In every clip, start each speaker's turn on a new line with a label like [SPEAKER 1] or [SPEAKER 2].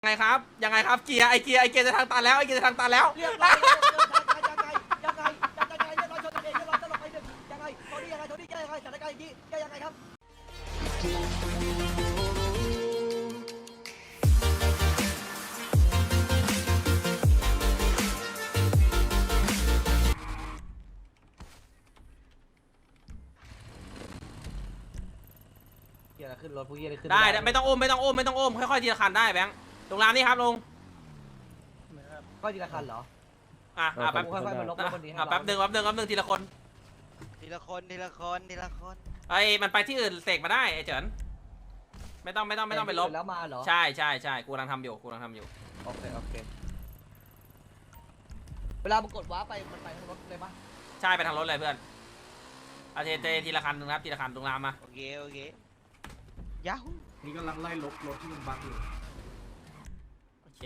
[SPEAKER 1] ไงครับยังไงครับเกียร์ไอเกียร์จะทางตันแล้วไอเกียร์จะทางตันแล้ว
[SPEAKER 2] เรียบร้อยยังไงเรียบร้อยชนกันเองเรียบร้อยตลบไปหนึ่งยังไงโทนี่ยังไงแก้ยังไงสถานการณ์อย่างนี้แก้ยังไงครับเกียร์ขึ้นรถพวกเกียร์ขึ้น
[SPEAKER 1] ได้ไม่ต้องอ้มค่อยๆทีละคันได้แบงค์ลงรามนี่ครับลง
[SPEAKER 2] ก็ทีละคันเหรอ
[SPEAKER 1] แป๊บ
[SPEAKER 2] ค่อยๆมาลบคนนี้
[SPEAKER 1] แป๊บหนึ่งทีละคนไอมันไปที่อื่นเสกมาได้ไอเฉินไม่ต้องไปลบ
[SPEAKER 2] แล้วมาเหรอ
[SPEAKER 1] ใช่กูกำลังทำอยู่
[SPEAKER 2] โอเคเวลามึงกดว้าไปมันไปทางรถเลยปะ
[SPEAKER 1] ใช่ไปทางรถเลยเพื่อนอาเททีละคันนึงครับทีละคันตรงรามมา
[SPEAKER 3] โอเคยาฮู
[SPEAKER 4] นี่กำลังไล่ลบรถที่มันบั๊กอยู่
[SPEAKER 1] โอเค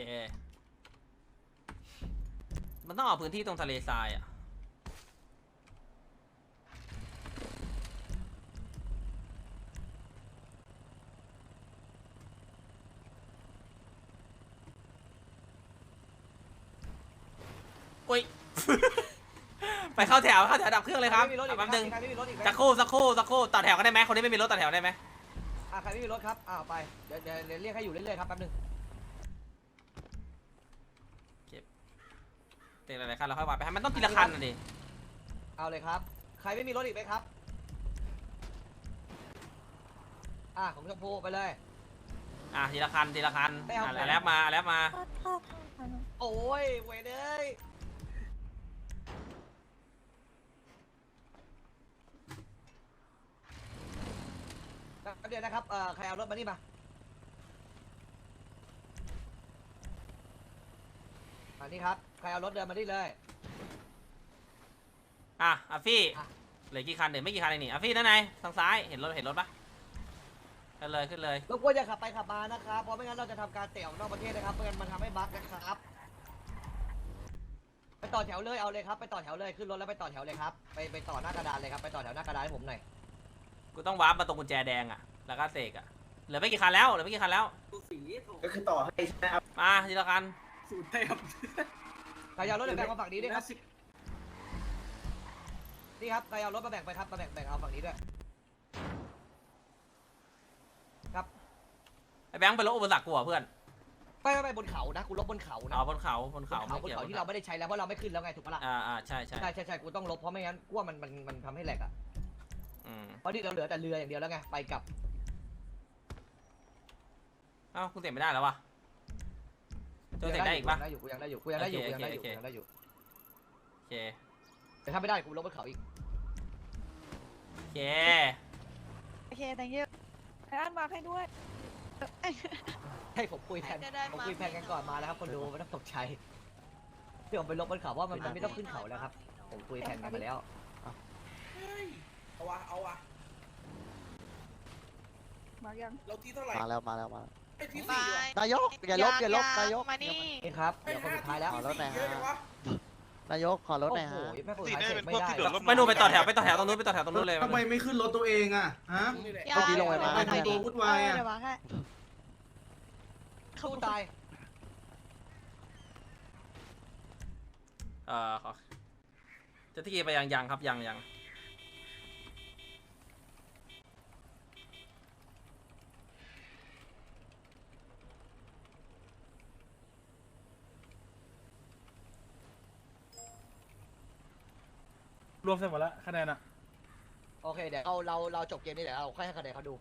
[SPEAKER 1] มันต้องเอาพื้นที่ตรงทะเลทรายอ่ะอุ้ย ไปเข้าแถวดับเครื่องเลยครับแป๊บนึงสักครู่ต่อแถวก็ได้ไหมคนนี้ไม่มีรถต่อแถวได้ไหม
[SPEAKER 2] ใครไม่มีรถครับไปเดี๋ยวเรียกให้อยู่เรื่อยๆครับแป๊บนึง
[SPEAKER 1] เตะหลายๆคันเราค่อยว่าไปให้มันต้องทีละคันน่ะดิ
[SPEAKER 2] เอาเลยครับใครไม่มีรถอีกไหมครับของชมพูไปเลย
[SPEAKER 1] ทีละคันแล้วมา
[SPEAKER 2] โอ้ยเว้ยเลยเดี๋ยวนะครับใครเอารถมานี่มานี่ครับใครเอารถเดินมานี่เลย
[SPEAKER 1] อาฟี่เหลือกี่คันไม่กี่คันเองนี่อาฟี่ด้านในทางซ้ายเห็นรถปะขึ้นเลย
[SPEAKER 2] รบกวนอย่าขับไปขับมานะครับเพราะไม่งั้นเราจะทำการเตะออกนอกประเทศนะครับไม่งั้นมันทำให้บั๊กนะครับไปต่อแถวเลยเอาเลยครับไปต่อแถวเลยขึ้นรถแล้วไปต่อแถวเลยครับไปต่อหน้ากระดานเลยครับไปต่อแถวหน้ากระดานให้ผมหน่อย
[SPEAKER 1] กูต้องวาร์ปมาตรงกุญแจแดงแล้วก็เสกเหลือไม่กี่คันแล้ว
[SPEAKER 4] ก็คือต่อให้ใช่ไหมครับ
[SPEAKER 1] มาทีละคัน
[SPEAKER 4] สูตรเทพ
[SPEAKER 2] ใครเอารถแบ่งมาฝั่งนี้ด้วยครับนี่ครับใครเอารถมาแบ่งไปครับมาแบ่งเอาฝั่งนี้ด้วยครับ
[SPEAKER 1] ไอ้แบงค์ไปลบอุปสรรคกูเพื่อน
[SPEAKER 2] ไม่บนเขานะกูลบบนเขานะ
[SPEAKER 1] บนเขา
[SPEAKER 2] ที่เราไม่ได้ใช้แล้วเพราะเราไม่ขึ้นแล้วไงถูกปะล่ะ
[SPEAKER 1] ใช่
[SPEAKER 2] กูต้องลบเพราะไม่งั้นกูว่ามันทำให้แหลกเพราะที่เราเหลือแต่เรืออย่างเดียวแล้วไงไปกับ
[SPEAKER 1] คุณเสร็จไม่ได้แล้ววะเสร็จได้อีกปะ
[SPEAKER 2] กูยังได้อยู่โอเคแต่ถ้าไม่ได้กูลบบนเขาอีก
[SPEAKER 1] โอเค
[SPEAKER 5] thank you ไอ้อันมาให้ด้วย
[SPEAKER 2] ให้ผมคุยแทนกันก่อนมาแล้วครับคนดูไม่ต้องตกใจเดี๋ยวผมไปลบบนเขาว่ามันไม่ต้องขึ้นเขาแล้วครับผมคุยแทนกันมาแล้ว
[SPEAKER 4] เอาวะ
[SPEAKER 5] มายัง
[SPEAKER 4] เราที่เท่าไหร่
[SPEAKER 6] มาแล้ว
[SPEAKER 4] ไอ้ที่สี่
[SPEAKER 6] นายกอย่าลบนายก
[SPEAKER 5] มานี่
[SPEAKER 2] ครับเดี๋ยวคนสุดท้ายแล้ว
[SPEAKER 6] ขอรถหน่อยฮะนายกขอรถหน่อยฮะ
[SPEAKER 2] ไม่ได้
[SPEAKER 1] ไม่นูไปต่อแถวตรงนู้นเลย
[SPEAKER 4] ทำไมไม่ขึ้นรถตัวเองฮะ
[SPEAKER 6] เมื่อกี้ลงไปมา
[SPEAKER 4] ไม่ตัววุ่นวาย
[SPEAKER 2] เข้าตาย
[SPEAKER 1] จะที่ไปยังครับยัง
[SPEAKER 7] รวมเสร็จหมดแล้วคะแนนอะ
[SPEAKER 2] โอเคเดี๋ยวเราจบเกมนี้เดี๋ยวเราค่อยให้คะแนนเขาดู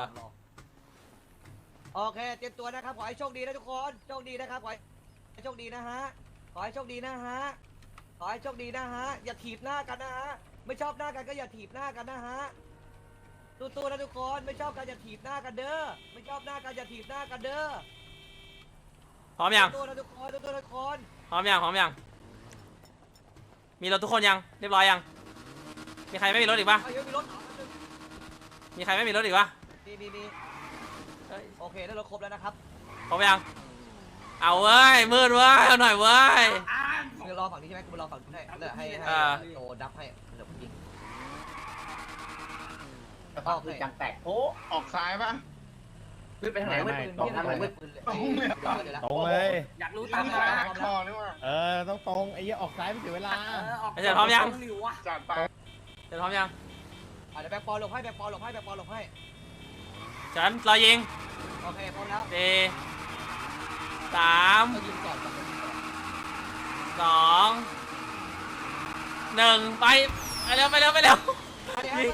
[SPEAKER 2] โอเคเตรียมตัวนะครับขอให้โชคดีนะทุกคนโชคดีนะครับขอให้โชคดีนะฮะขอให้โชคดีนะฮะอย่าถีบหน้ากันนะฮะไม่ชอบหน้ากันก็อย่าถีบหน้ากันนะฮะตัวนะทุกคนไม่ชอบกันอย่าถีบหน้ากันเด้อไม่ชอบหน้ากันอย่าถีบหน้ากันเด้อ
[SPEAKER 1] พร้อมยัง
[SPEAKER 2] ตัวนะทุกคน
[SPEAKER 1] พร้อมยังมีรถทุกคนยังเรียบร้อยยังมีใครไม่มีรถอีกปะมีใครไม่มีรถอีกปะ
[SPEAKER 2] มีโอเคได้รถครบแล้วนะครับ
[SPEAKER 1] พร้อมยังเอาเว้ยมืดเว้ยเอาหน่อยเว้ย
[SPEAKER 2] รอฝั่งนี้ใช่ไหมกูรอฝั่งนี้ให้โอ้ดับให้เดี๋ยวยิง
[SPEAKER 4] คือจังแตกโอ้ออกซ้ายป่ะ
[SPEAKER 2] ไปทางไหนมืดปืนพี่ทางไหนมืดปืนเลย
[SPEAKER 7] ตรงเลย
[SPEAKER 4] อยากรู้ตามมาคอเลยว่ะ
[SPEAKER 7] ต้องตรงไอ้เหี้ยออกซ้ายไม่เสียเวลา
[SPEAKER 1] ไอ้เสร็จพร้อมยัง
[SPEAKER 4] จัดไป
[SPEAKER 1] เสร็จพร้อมยัง
[SPEAKER 2] เดี๋ยวแบกปอหลบให้แบกปอหลบให้แบกปอหลบให้
[SPEAKER 1] ฉันรอยิง
[SPEAKER 2] โอเคพร้อมแล้ว
[SPEAKER 1] สี่สาม
[SPEAKER 2] ยิงก่อนยิงก่อน
[SPEAKER 1] สองหนึ่งไปเร็วไปเร็วไปเร็ว
[SPEAKER 2] เดี๋ยว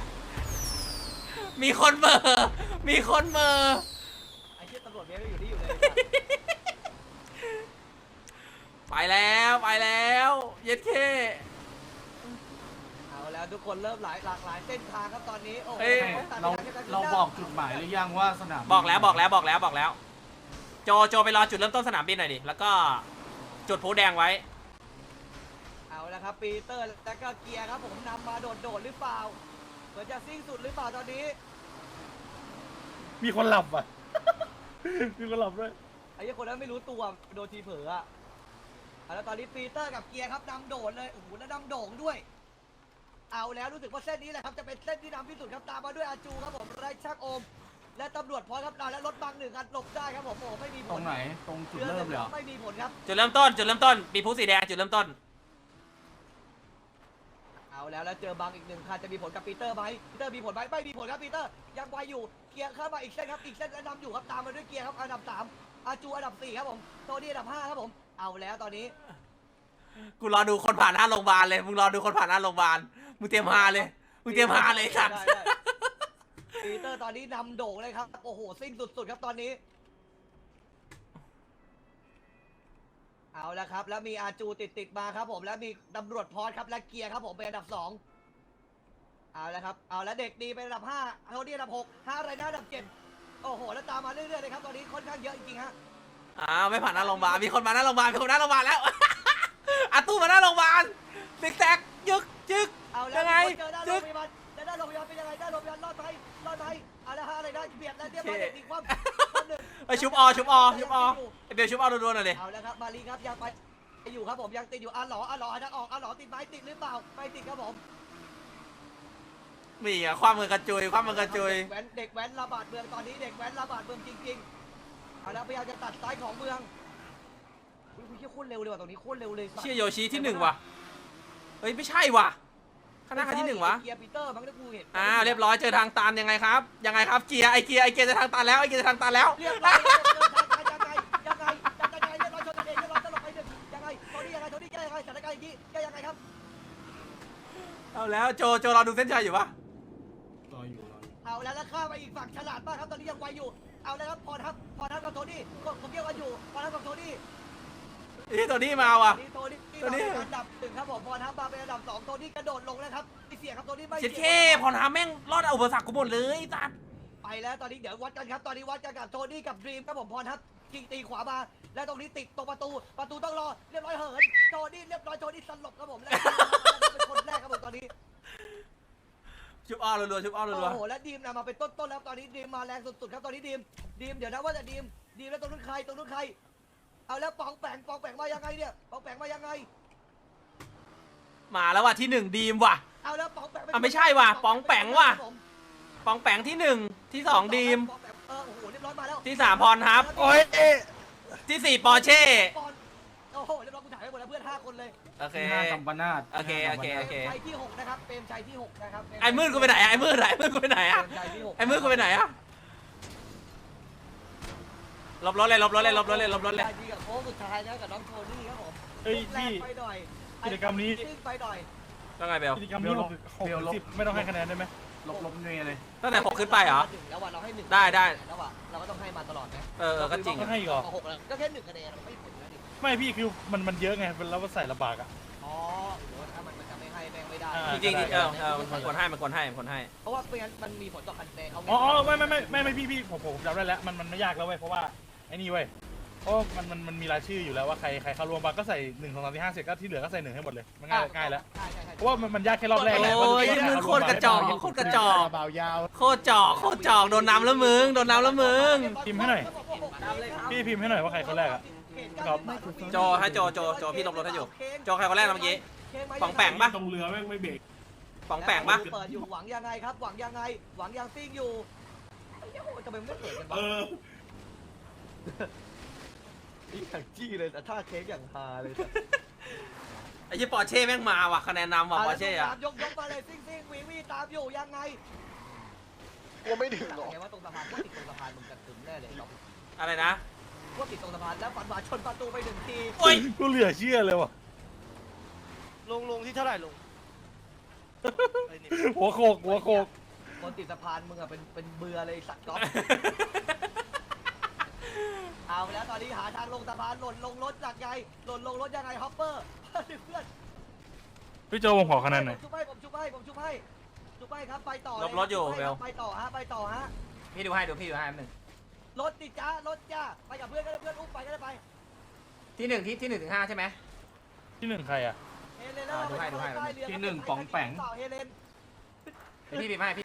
[SPEAKER 1] มีคนเบอร์มีคนเบอร์
[SPEAKER 2] ไอ้เชี่ยตำรวจเมียก็อยู่ที่อยู่เลย
[SPEAKER 1] ไปแล้วไปแล้วเย็ดเค
[SPEAKER 2] เอาแล้วทุกคนเริ่มหลากหลายเส้นทางครับตอนนี้โอ้โห
[SPEAKER 4] เราบอกจุดหมายหรือยังว่าสนาม
[SPEAKER 1] บอกแล้วโจไปรอจุดเริ่มต้นสนามบินหน่อยดิแล้วก็จุดพลุแดงไว้
[SPEAKER 2] เอาละครับปีเตอร์แล้วก็เกียร์ครับผมนำมาโดดหรือเปล่าเหมือนจะซิ่งสุดหรือเปล่าตอนนี้
[SPEAKER 7] มีคนหลับอ่ะ มีคนหลับด้วย
[SPEAKER 2] ไอ้เหี้ยคนนั้นไม่รู้ตัวโดนทีเผลออะแล้วตอนนี้ปีเตอร์กับเกียร์ครับนำโดดเลยโอ้โหแล้วนำโด่งด้วย เอาแล้วรู้สึกว่าเส้นนี้แหละครับจะเป็นเส้นที่นำที่สุดครับตามมาด้วยอาจูครับผมไรช่างโอม และตำรวจพร้อมครับและรถบังหนึ่งคันหลบได้ครับผมโอ้ไม่มีผล
[SPEAKER 4] ตรงไหนตรงจุดเริ่มเลยเหรอ
[SPEAKER 2] ไม่มีผลครับ
[SPEAKER 1] จุดเริ่มต้นมีพลุสีแดงจุดเริ่มต้น
[SPEAKER 2] เอาแล้วเจอบังอีกหนึ่งคันจะมีผลกับปีเตอร์ไหมปีเตอร์มีผลไหมไม่มีผลครับปีเตอร์ยังไวอยู่เกียร์เข้ามาอีกเส้นครับอีกเส้นแล้วนำอยู่ครับตามมาด้วยเกียร์ครับอันดับ3อาจูอันดับ4ครับผมโทนี่อันดับ5ครับผมเอาแล้วตอนนี้
[SPEAKER 1] กูรอดูคนผ่านหน้าโรงพยาบาลเลยมึงรอดูคนผ่านหน้าโรงพยาบาลมึงเตรียมฮาเลยสัตว์
[SPEAKER 2] ได้ปีเตอร์ตอนนี้นำโด่งเลยครับโอ้โหซิ่งสุดๆครับตอนนี้เอาแล้วครับแล้วมีอาจูติดมาครับผมแล้วมีตำรวจพอดครับและเกียร์ครับผมเป็นอันดับ2เอาแล้วครับเอาแล้วเด็กดีเป็นอันดับ5โทนี่อันดับ6 5อะไรนะอันดับ7โอ้โหแล้วตามมาเรื่อยๆเลยครับตอนนี้ค่อนข้างเยอะจริงๆฮะ
[SPEAKER 1] ไม่ผ่านหน้าโรงพยาบาลมีคนมาหน้าโรงพยาบาลแล้ว อาตู้มาหน้าโรงพยาบาลติ๊กแตกยึก
[SPEAKER 2] เอาแล้ว
[SPEAKER 1] ยังไง
[SPEAKER 2] เจอด้านโรงพยาบาลด้านโรงพยาบาลเป็นยังไงด้านโรงพยาบาลรอดไทยเอาแล้วฮะอะไรนะเบียดแล้วเรียบร้อยเด็กดีความหนึ่ง
[SPEAKER 1] ไอชุบอไอเบลชุบอรัวๆหน่อยดิ
[SPEAKER 2] เอาแล้วครับมาลีครับยังไปอยู่ครับผมยังติดอยู่อ่ะหลอทางออกอ่ะหลอติดไหมติดหรือเปล่าไม่ติดครับผม
[SPEAKER 1] มีอะความมือกระจุย
[SPEAKER 2] เด็กแว้นระบาดเมืองตอนนี้เด็กแว้นระบาดเมืองจริงๆเอาแล้วพยายามจะตัดซ้ายของเมืองอุ้ยโคตรเร็วเลยว่ะตรงนี้โคตรเร็วเลย
[SPEAKER 1] เชี่ยโยชิที่1ว่ะเฮ้ยไม่ใช่ว่ะคณะที่1วะ
[SPEAKER 2] เกียร์ปีเตอร์มั้งที่กูเห็น
[SPEAKER 1] เรียบร้อยเจอทางตันยังไงครับเกียร์ไอเกียร์จะทางตันแล้ว
[SPEAKER 2] เรียบร้อยยังไงเรียบร้อยชนกันเองเรียบร้อยตลบไปหนึ่งยังไงโทนี่แก้ยังไงสถานการณ์อย่างนี้แก้ยังไงครับ
[SPEAKER 1] เอาแล้วโจรอดูเส้นชัยอยู่ปะ
[SPEAKER 4] รออยู่
[SPEAKER 2] เอาแล้วข้ามไปอีกฝั่งฉลาดมากครับตอนนี้ยังไวอยู่เอาแล้วครับพอทับกับโทนี่ผมเกี่ยวกันอยู่พอทับกับโทนี่
[SPEAKER 1] นี่ตัวนี้มาว่ะ
[SPEAKER 2] โทนี่อันดับ1ครับผมพอทับมาเป็นอันดับ2โทนี่กระโดดลงนะครับไม่เสียครับโทนี่ไม่
[SPEAKER 1] เช็ด
[SPEAKER 2] เสี
[SPEAKER 1] เข้พอทำแม่งรอดอุปสรรคกูหมดเลยตัด
[SPEAKER 2] ไปแล้วตอนนี้เดี๋ยววัดกันครับตอนนี้วัดกันกับโทนี่กับดรีมครับผมพรทับยิงตีขวามาแล้วตรงนี้ติดตรงประตูต้องรอเรียบร้อยเหินโทนี่เรียบร้อยโทนี่สลบครับผมแล้วเป็นคนแรกครับผมตอนนี้
[SPEAKER 1] ชุบอ้อรัวๆ
[SPEAKER 2] โอ้โหแล้วดีมนำมาเป็นต้นแล้วตอนนี้ดีมมาแรงสุดๆครับตอนนี้ดีมเดี๋ยวนะว่าจะดีมแล้วตรงนู้นใครเอาแล้วปองแปงมายังไงเนี่ยปองแปงมายังไง
[SPEAKER 1] มาแล้วว่ะที่1ดีมว่ะ
[SPEAKER 2] เอาแล้วปองแปง
[SPEAKER 1] ไม่ใช่ว่ะปองแปงว่ะปองแปงที่1ที่2ดีม
[SPEAKER 2] โอ้โหเรียบร้อยมาแล้ว
[SPEAKER 1] ที่3พรทับ
[SPEAKER 7] โอ้ย
[SPEAKER 1] ที่4ปอร์เช่
[SPEAKER 2] โอ้โหเรียบร้อยกูถ่ายไปหมดแล้วเพื่อน5คนเลย
[SPEAKER 1] โอเค
[SPEAKER 4] กัมปนาต
[SPEAKER 1] โอเค
[SPEAKER 2] ชัยที่6นะครับเปรมชัยที่6นะครับ
[SPEAKER 1] ไอ้มืดกูไปไหนอะไอ้มืดกูไปไหนอะไอ้มืดกูไปไหนอะลบรถเลย
[SPEAKER 2] ดีกับโค้งสุดท้ายนะกับน้องโทนี่ครับผม
[SPEAKER 7] เฮ้ย
[SPEAKER 2] แร
[SPEAKER 7] พี่
[SPEAKER 2] กไปหน่อย
[SPEAKER 7] กิจกรรมนี้
[SPEAKER 2] ซิ่งไปหน่อย
[SPEAKER 1] ต้องไงเบล
[SPEAKER 7] กิจกรรมนี้60ไม่ต้องให้คะแนนได้ไหม
[SPEAKER 4] ลบเนยเลย
[SPEAKER 1] ตั้งแต่6ขึ้นไปเหรอ
[SPEAKER 2] แล้วว่าเราให้1
[SPEAKER 1] ได้
[SPEAKER 2] แล้วว่าเราก็ต้องให้มาตลอดนะ
[SPEAKER 1] ก็จริง
[SPEAKER 7] ต้องให้อีกเหรอ
[SPEAKER 2] 6แล้วก็แค่1คะแนนมันไม่ผลนะดิ
[SPEAKER 7] ไม่พี่คือมันเยอะไงแล้วว่าใส่ลำบากอ่ะ
[SPEAKER 2] อ๋อหรือว่าถ้ามันจะไม่ให้แม่งไม่ได้
[SPEAKER 1] จริงมันควรให้
[SPEAKER 2] เพราะว่าไม่งั้นมันมีผลต่อคะแนนเอา
[SPEAKER 7] อ๋อไม่พี่ผมจำได้แล้วมันไม่ยากแล้วเว้ยเพราะว่าไอ้นี่เว้ยเพราะมันมีรายชื่ออยู่แล้วว่าใครเข้ารวมมาก็ใใส่1 2 3 4 5เสร็จก็ที่เหลือก็ใส่1ให้หมดเลยมันง่ายแล้ว
[SPEAKER 2] ใช่
[SPEAKER 7] เพราะว่ามันยากแค่รอบแรก
[SPEAKER 1] โอ้ยมึงโคตรกระจอก
[SPEAKER 7] เบายาว
[SPEAKER 1] โคตรจอกโดนน้ำแล้วมึง
[SPEAKER 7] พิมพ์ให้หน่อย พี่พิมพ์ให้หน่อยว่าใครคนแรกอะ ครับ
[SPEAKER 1] โจพี่ลบรถให้อยู่โจใครคนแรกนะเมื่อกี้ปองแปงปะ
[SPEAKER 4] ตรงเรือแม่งไม่เบรก
[SPEAKER 1] ปองแปงปะ
[SPEAKER 2] เปิดอยู่หวังยังไงครับหวังยังซิ่งอยู่เหี้ยโอ้ยทำไมมันไม่เปิดกันวะนี่อย่างจี้เลยแต่ท่าเค้กอย่างฮาเลย
[SPEAKER 1] ไอ้ยี่ปอร์เช่แม่งมาว่ะคะแนนนำว่ะปอร์เช่อะ
[SPEAKER 2] ยกมาเลยซิ่งวีตามอยู่ยังไง
[SPEAKER 6] กลัวไม่ถึงหรอ
[SPEAKER 2] ไงว่าตรงสะพานว่าติดตรงสะพานมึงจะถึงแน่เลยเรา
[SPEAKER 1] อะไรนะ
[SPEAKER 2] ว่าติดตรงสะพานแล้วฟันบาชนประตูไป1 ที
[SPEAKER 1] โอ้ย
[SPEAKER 7] กูเหลือเชื่อเลยว่ะ
[SPEAKER 3] ลงที่เท่าไหร่ลงไอ้นี่
[SPEAKER 7] หัวโขก
[SPEAKER 2] คนติดสะพานมึงอะเป็นเบื่อเลยสัตว์ก๊อฟ เอาแล้วตอนนี้หาทางลงสะพานหล่นลงรถจากไงหล่นลงรถยังไงฮอปเปอร์เพื่อน
[SPEAKER 7] พี่โจผมขอคะแนนหน่อย
[SPEAKER 2] ผมชุบให้ครับไปต่อ
[SPEAKER 1] ลบรถอยู่เบล
[SPEAKER 2] ไปต่อฮะ
[SPEAKER 1] พี่ดูให้ดูพี่ดูให้แป๊บหนึง
[SPEAKER 2] รถติดจ้ารถจ้าไปกับเพื่อนก็ได้เพื่อนอุ้มไปก็ได้ไป
[SPEAKER 1] ที่1ที่1ถึง5ใช่ไหม
[SPEAKER 7] ที่หนึ่งใครอ่ะ
[SPEAKER 2] เฮเลนแล้ว
[SPEAKER 1] ดูให้
[SPEAKER 4] ที่หนึ่งป๋องแป๋ง
[SPEAKER 2] เฮเลน
[SPEAKER 1] พี่ปิดให้พี่